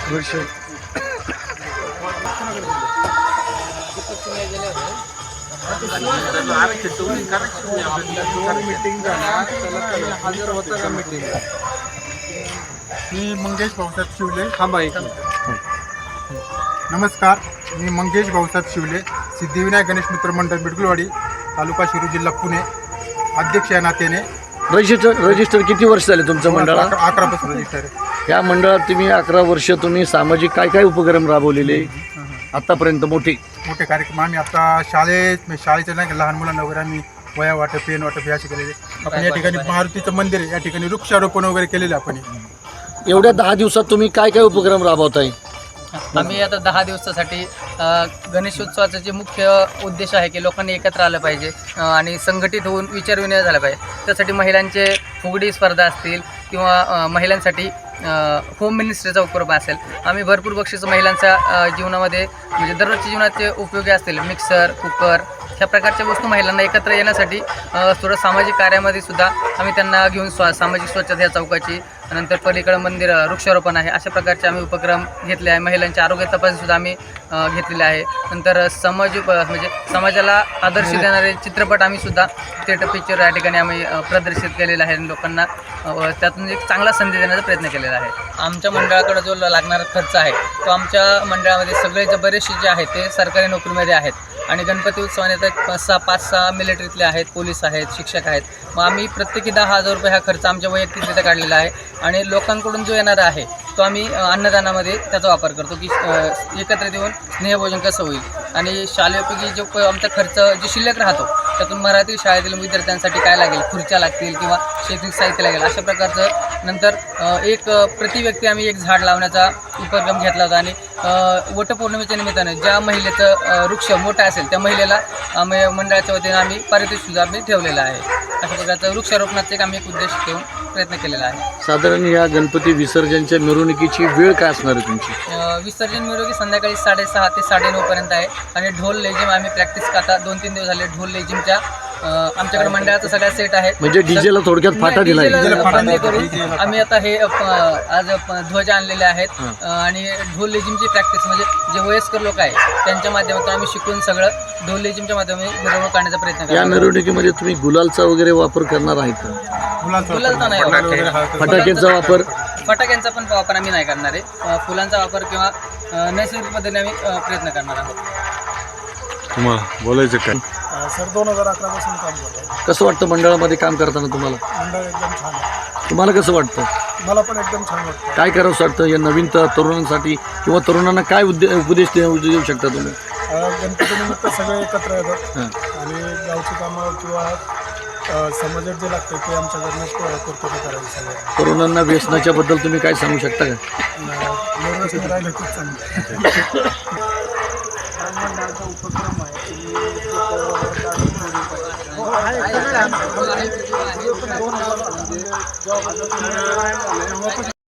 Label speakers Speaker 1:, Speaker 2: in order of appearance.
Speaker 1: वर्ष
Speaker 2: मी मंगेश भाऊसाहेब शिवले नमस्कार, मी मंगेश भाऊसाहेब शिवले, सिद्धिविनायक गणेश मित्र मंडळ बिडगुलवाडी, तालुका शिरूर, जिल्हा पुणे, अध्यक्ष या नात्याने.
Speaker 1: रजिस्टर किती वर्ष झाले तुमचं मंडळात?
Speaker 2: 11 पासून रजिस्टर आहे.
Speaker 1: या मंडळात तुम्ही 11 वर्ष तुम्ही सामाजिक काय काय उपक्रम राबवलेले आतापर्यंत? मोठे
Speaker 2: कार्यक्रम आम्ही आता शाळेच्या नाही का लहान मुलांना वगैरे आम्ही वया वाटप, पेन वाटप हे असे केलेले. आपण या ठिकाणी मारुतीचं मंदिर आहे, या ठिकाणी वृक्षारोपण वगैरे केलेलं आपण.
Speaker 1: एवढ्या 10 दिवसात तुम्ही काय काय उपक्रम राबवताय?
Speaker 3: आम्ही आता 10 दिवसासाठी गणेशोत्सवाचा जे मुख्य उद्देश आहे की लोकांनी एकत्र आलं पाहिजे आणि संघटित होऊन विचारविनिमय झाला पाहिजे. त्यासाठी महिलांचे फुगडी स्पर्धा असतील किंवा महिलांसाठी होम मिनिस्ट्रीचा उपक्रम असेल. आम्ही भरपूर बक्षीस महिलांच्या जीवनामध्ये म्हणजे दररोजच्या जीवनाचे उपयोगी असतील, मिक्सर, कुकर ह्या प्रकारच्या वस्तू महिलांना एकत्र येण्यासाठी थोडं सामाजिक कार्यामध्ये सुद्धा आम्ही त्यांना घेऊन सामाजिक स्वच्छता या चौकाची, नंतर पलीकडं मंदिर वृक्षारोपण आहे, अशा प्रकारचे आम्ही उपक्रम घेतले आहे. महिलांच्या आरोग्य तपासणीसुद्धा आम्ही घेतलेले आहे. नंतर म्हणजे समाजाला आदर्श देणारे चित्रपट आम्ही सुद्धा थिएटर पिक्चर या ठिकाणी आम्ही प्रदर्शित केलेला आहे. लोकांना त्यातून एक चांगला संदेश देण्याचा प्रयत्न केलेला आहे. आमच्या मंडळाकडे जो लागणारा खर्च आहे तो आमच्या मंडळामध्ये सगळे जे बरेचसे जे आहेत ते सरकारी नोकरीमध्ये आहेत आणि गणपती उत्सवाने तर 5-6 मिलिटरीतले आहेत, पोलीस आहेत, शिक्षक आहेत. मग आम्ही प्रत्येकी 10,000 रुपये हा खर्च आमच्या वैयक्तिकरित्या काढलेला आहे आणि लोकांकडून जो येणारा आहे तो आम्ही अन्नदानामध्ये त्याचा वापर करतो की एकत्र येऊन स्नेहभोजन कसं होईल. आणि शालेयपैकी जो आमचा खर्च जो शिल्लक राहतो त्यातून मराठी शाळेतील विद्यार्थ्यांसाठी काय लागेल, खुर्च्या लागतील किंवा शैक्षणिक साहित्य लागेल, अशा प्रकारचं. नंतर एक प्रति व्यक्ती आम्ही एक झाड लावण्याचा उपक्रम घेतला होता आणि वटपौर्णिमेच्या निमित्तानं ज्या महिलेचं वृक्ष मोठा असेल त्या महिलेला आम्ही मंडळाच्या वतीने आम्ही पारितोषिकसुद्धा आम्ही ठेवलेलं आहे. अशा प्रकारचं वृक्षारोपणाचा एक आम्ही एक उद्देश ठेवून प्रयत्न केलेला आहे.
Speaker 1: साधारण या गणपती विसर्जनच्या मिरवणुकीची वेळ काय असणार आहे तुमची?
Speaker 3: विसर्जन मिरवणुकी संध्याकाळी 6:30 ते 9:30 पर्यंत आहे आणि ढोल लेझिम आम्ही प्रॅक्टिस आता 2-3 दिवस झाले ढोल लेझिमच्या आमच्याकडे मंडळाचा सगळा सेट आहे.
Speaker 1: म्हणजे डीजेला थोडक्यात फाटा दिलाय
Speaker 3: बंदी करून आम्ही आता हे आज ध्वज आणलेले आहेत आणि ढोल लेझिमची प्रॅक्टिस म्हणजे जे वयस्कर लोक आहेत त्यांच्या माध्यमातून आम्ही शिकून सगळं ढोल लेझिमच्या माध्यमातून मिरवणूक काढण्याचा प्रयत्न करतो.
Speaker 1: या मिरवणुकीमध्ये तुम्ही गुलालचा वगैरे वापर करणार आहेत का?
Speaker 3: गुलालचा नाही,
Speaker 1: फटाक्यांचा वापर?
Speaker 3: फटाक्यांचा पण वापर आम्ही नाही करणार आहे. फुलांचा वापर किंवा नैसर्गिक पद्धतीने आम्ही प्रयत्न करणार आहोत.
Speaker 4: तुम्हाला बोलायचं काय?
Speaker 2: सर 2011 पासून काम करतो.
Speaker 1: कसं वाटतं मंडळामध्ये काम करताना तुम्हाला?
Speaker 2: मंडळ एकदम छान आहे.
Speaker 1: तुम्हाला कसं वाटतं?
Speaker 2: मला पण एकदम छान वाटतं.
Speaker 1: काय करावंसं वाटतं या नवीन तरुणांसाठी किंवा तरुणांना काय उपदेश देऊ शकता तुम्ही?
Speaker 2: गणपतीनिमित्त सगळे एकत्र येतात आणि गावची कामं किंवा समाजात जे लागतं ते आमच्याकडनं पूर्तता करावी. सगळं
Speaker 1: तरुणांना व्यसनाच्या बद्दल तुम्ही काय सांगू शकता का?
Speaker 2: व्यवस्थित राहिलं खूप चांगलं. उपक्रम आहे